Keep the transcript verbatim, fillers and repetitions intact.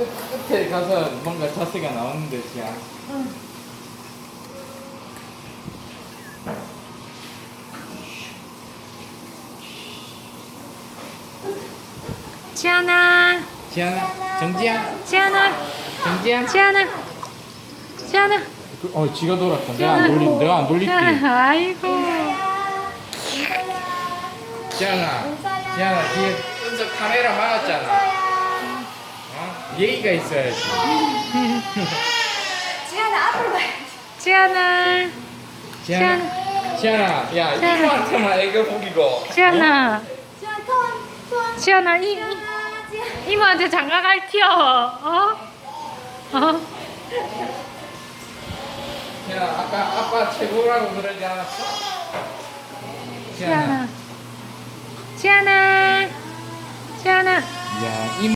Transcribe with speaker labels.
Speaker 1: 끝, 끝에 가서 뭔가 자세가 나오는데, 지야.
Speaker 2: 응.
Speaker 3: 지안아,
Speaker 1: 지안아, 정지야,
Speaker 3: 지안아,
Speaker 1: 정지야.
Speaker 3: 지안아, 지안아.
Speaker 1: 그, 어, 지가 돌았다. 내가 안 돌리, 내가 안 돌릴게.
Speaker 3: 지안아, 아이고.
Speaker 1: 지안아, 지안아, 뒤에 은석 카메라 막았잖아. 어? 예의가 있어야지.
Speaker 2: 지안아 앞으로 가야지.
Speaker 3: 지안아,
Speaker 1: 지안아, 지안아, 야,
Speaker 3: 지안아.
Speaker 1: 이모한테만 애교 부리고.
Speaker 3: 지안아,
Speaker 2: 지안 손, 손.
Speaker 3: 지안아, 이,
Speaker 2: 지안.
Speaker 3: 이모한테 장가갈 티어. 어? 어?
Speaker 1: 지안아, 아까 아빠 최고라고 그러지 않았어?
Speaker 3: 지안아, 지안아, 지안아.
Speaker 1: 야, 이